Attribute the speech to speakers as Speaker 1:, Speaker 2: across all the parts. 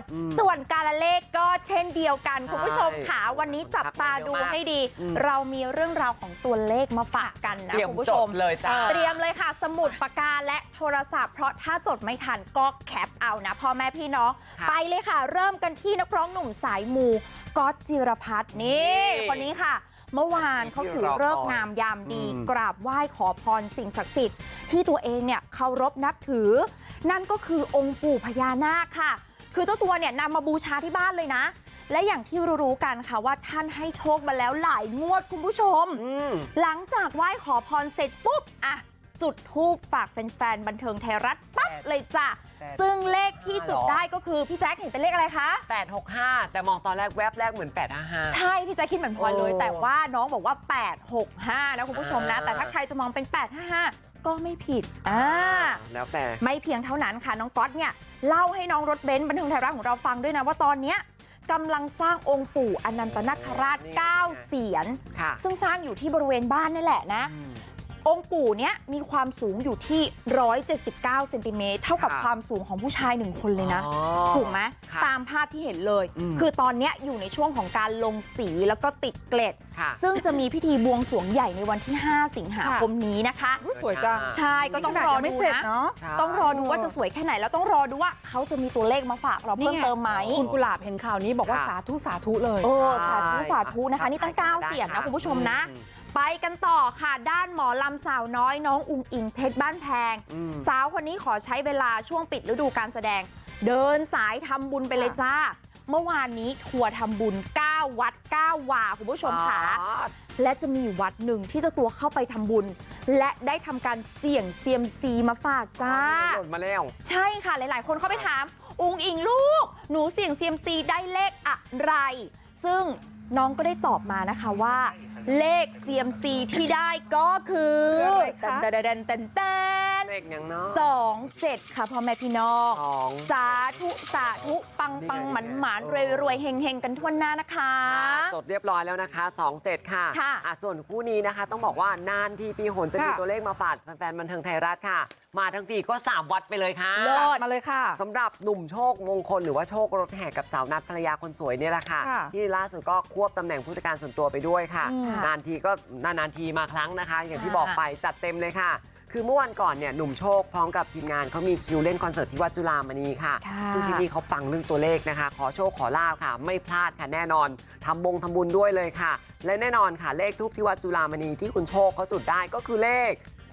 Speaker 1: ส่วนการละเลขก็เช่นเดียวกันคุณผู้ชมค่ะวันนี้จับตาดูให้ดีเรามีเรื่องราวของตัวเลขมาฝากกันนะคุณผู้ชม
Speaker 2: เลยจ้า
Speaker 1: เตรียมเลยค่ะสมุดปากกาและโทรศัพท์เพราะถ้าจดไม่ทันก็แคปเอานะพ่อแม่พี่น้องไปเลยค่ะเริ่มกันที่นักร้องหนุ่มสายมูก๊อตจิรพัฒน์นี่คนนี้ค่ะเมื่อวานเขาถือฤกษ์งามยามดีกราบไหว้ขอพรสิ่งศักดิ์สิทธิ์ที่ตัวเองเนี่ยเคารพนับถือนั่นก็คือองค์ปู่พญานาคค่ะคือเจ้าตัวเนี่ยนำมาบูชาที่บ้านเลยนะและอย่างที่รู้กันค่ะว่าท่านให้โชคมาแล้วหลายงวดคุณผู้ชมหลังจากไหว้ขอพรเสร็จปุ๊บอ่ะจุดธูปฝากแฟนๆบันเทิงไทยรัฐปั๊บเลยจ้ะซึ่งเลขที่จุดได้ก็คือพี่แจ๊คเห็นเป็นเลขอะไรคะ
Speaker 2: 865แต่มองตอนแรกแวบแรกเหมือน855
Speaker 1: ใช่พี่แจ๊คคิดเหมือนพลอยเลยแต่ว่าน้องบอกว่า865นะคุณผู้ชมนะแต่ถ้าใครจะมองเป็น855ก็ไม่ผิด
Speaker 2: แล้วแต่
Speaker 1: ไม่เพียงเท่านั้นค่ะน้องก๊อตเนี่ยเล่าให้น้องรถเบนซ์บันเทิงไทยรัฐของเราฟังด้วยนะว่าตอนเนี้ยกำลังสร้างองค์ปู่อนันตนาคราช9เสียนซึ่งสร้างอยู่ที่บริเวณบ้านนี่แหละนะองค์ปู่เนี้ยมีความสูงอยู่ที่179เซนติเมตรเท่ากับความสูงของผู้ชาย1คนเลยนะถูกไหมตามภาพที่เห็นเลยคือตอนนี้อยู่ในช่วงของการลงสีแล้วก็ติดเกล็ดซึ่งจะมีพิธีบวงสรวงใหญ่ในวันที่5สิงหาคมนี้นะคะ
Speaker 3: สวยจัง
Speaker 1: ใช่ก็ต้องรอดูนะต้องรอดูว่าจะสวยแค่ไหนแล้วต้องรอดูว่าเขาจะมีตัวเลขมาฝากเราเพิ่มเติมไหม
Speaker 3: คุณกุหลาบเห็นข่าวนี้บอกว่าสาธุสาธุเลย
Speaker 1: สาธุนะคะนี่ตั้ง9เสียงนะคุณผู้ชมนะไปกันต่อค่ะด้านหมอลำสาวน้อยน้องอุ๋งอิงเพชรบ้านแพงสาวคนนี้ขอใช้เวลาช่วงปิดฤดูการแสดงเดินสายทำบุญไปเลยจ้าเมื่อวานนี้ทัวร์ทำบุญ9วัด9วาคุณผู้ชมค่ะและจะมีวัดหนึ่งที่เจ้าตัวเข้าไปทำบุญและได้ทำการเสี่ยงเซียมซีมาฝากจ้า
Speaker 2: หล่นมาแล้ว
Speaker 1: ใช่ค่ะหลายๆคนเข้าไปถามอุ๋งอิงลูกหนูเสี่ยงเซียมซีได้เลขอะไรซึ่งน้องก็ได้ตอบมานะคะว่าเลข CMC ที่ได้ก็คือ
Speaker 2: เลขอย่างเนาะ
Speaker 1: 27ค่ะพ่อแม่พี่น้องสาธุสาธุปังปังหมันหมานรวยรวยเฮงเฮงกันทั่วหน้านะคะ
Speaker 2: จดเรียบร้อยแล้วนะคะ27ค่ะส่วนคู่นี้นะคะต้องบอกว่านานทีปีหนจะมีตัวเลขมาฝากแฟนๆบันเทิงไทยรัฐค่ะมาทั้งทีก็3วัดไปเลยค่ะ
Speaker 1: เลิศ
Speaker 3: มาเลยค่ะ
Speaker 2: สำหรับหนุ่มโชคมงคลหรือว่าโชครถแห่กับสาวนัทภรรยาคนสวยเนี่ยแหละค่ะที่ล่าสุดก็ควบตำแหน่งผู้จัดการส่วนตัวไปด้วยค่ะนานทีมาครั้งนะคะอย่างที่บอกไปจัดเต็มเลยค่ะคือเมื่อวันก่อนเนี่ยหนุ่มโชคพร้อมกับทีมงานเขามีคิวเล่นคอนเสิร์ตที่วัดจุฬามณีค่ะซึ่งที่นี่เขาปังเรื่องตัวเลขนะคะขอโชคขอลาภค่ะไม่พลาดค่ะแน่นอนทำบุญด้วยเลยค่ะและแน่นอนค่ะเลขทูปที่วัดจุฬามณีที่คุณโชคเขาจุดได้ก็คือเลข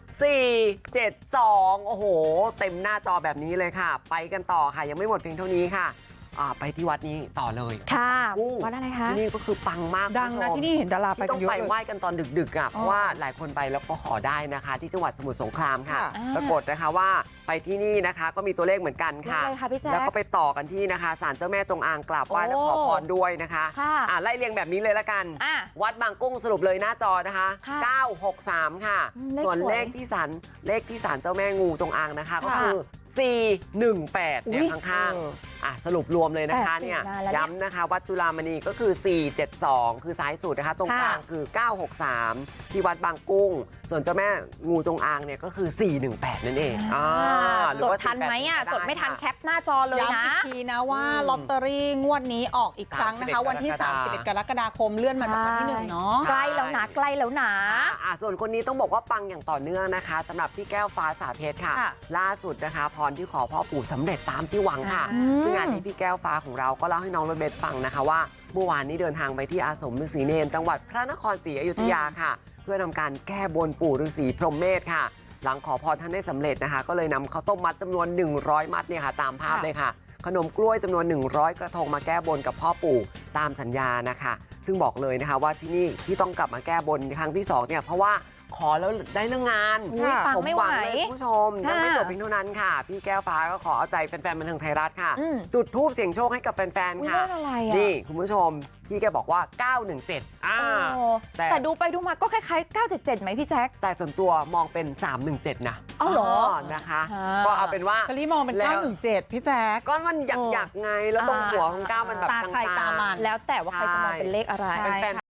Speaker 2: 472โอ้โหเต็มหน้าจอแบบนี้เลยค่ะไปกันต่อค่ะยังไม่หมดเพียงเท่านี้ค่ะไปที่วัดนี้ต่อเลย
Speaker 1: ค่ะวัดอะไรคะ
Speaker 2: ที่นี่ก็คือปังมาก
Speaker 3: ดังนะที่นี่เห็นดาราไป
Speaker 2: ต้องไปไหว้กันตอนดึกๆอ่ะเพราะว่าหลายคนไปแล้วก็ขอได้นะคะที่จังหวัดสมุทรสงครามค่ะปรากฏนะคะว่าไปที่นี่นะคะก็มีตัวเลขเหมือนกันค่ะแล้วก็ไปต่อกันที่นะคะศาลเจ้าแม่จงอางกราบไหว้และขอพรด้วยนะคะไล่เรียงแบบนี้เลยละกันวัดบางกุ้งสรุปเลยหน้าจอนะคะ963ค่ะส่วนเลขที่ศาลเจ้าแม่งูจงอางนะคะก็คือ418เนี่ยข้างๆสรุปรวมเลยนะคะเนี่ยย้ำนะคะวัดจุฬามณีก็คือ472คือซ้ายสุดนะคะตรงกลางคือ963ที่วัดบางกุ้งส่วนเจ้าแม่งูจงอางเนี่ยก็คือ418นั่นเอง
Speaker 1: จดทันไหมจดไม่ทันแคปหน้าจอเลยนะ
Speaker 3: ย้ำอีกทีนะว่าลอตเตอรี่งวดนี้ออกอีกครั้งนะคะวันที่31กรกฎาคมเลื่อนมาจากวันที่1เนาะ
Speaker 1: ใกล้แล้วนะ
Speaker 2: ส่วนคนนี้ต้องบอกว่าปังอย่างต่อเนื่องนะคะสำหรับพี่แก้วฟ้าสาเพชรค่ะล่าสุดนะคะพรที่ขอพ่อปู่สำเร็จตามที่หวังค่ะซึ่งงานนี้พี่แก้วฟ้าของเราก็เล่าให้น้องรถเบสฟังนะคะว่าเมื่อวานนี้เดินทางไปที่อาสมฤาษีเนรจังหวัดพระนครศรีอยุธยาค่ะเพื่อทำการแก้บนปู่ฤาษีพรหมเมธค่ะหลังขอพรท่านได้สำเร็จนะคะก็เลยนำข้าวต้มมัดจำนวน100มัดเนี่ยค่ะตามภาพเลยค่ะขนมกล้วยจำนวน100กระทงมาแก้บนกับพ่อปู่ตามสัญญานะคะซึ่งบอกเลยนะคะว่าที่นี่ที่ต้องกลับมาแก้บนครั้งที่2เนี่ยเพราะว่าขอแล้วได้เรื่องงาน
Speaker 1: สมหวัง
Speaker 2: เลยคุณผู้ชมยังไม่จบเพียงเท่านั้นค่ะพี่แก้วฟ้าก็ขอเอาใจแฟนๆบันเทิงไทยรัฐค่ะจุดธูปเสี่ยงโชคให้กับแฟนๆค่ะนี่คุณผู้ชมพี่แกบอกว่า917
Speaker 1: แต่ดูไปดูมาก็คล้ายๆ977ไหมพี่แจ๊ค
Speaker 2: แต่ส่วนตัวมองเป็น317นะ
Speaker 1: เหรอ
Speaker 2: นะคะก็เอาเป็นว่า
Speaker 3: คลีมองเป็น917พี่แจ๊ค
Speaker 2: ก็มันอยากไงแล้วตรงหัวของ9มันแบบ
Speaker 3: ตาใครตามัน
Speaker 1: แล้วแต่ว่าใครจะมองเป็นเลขอะไร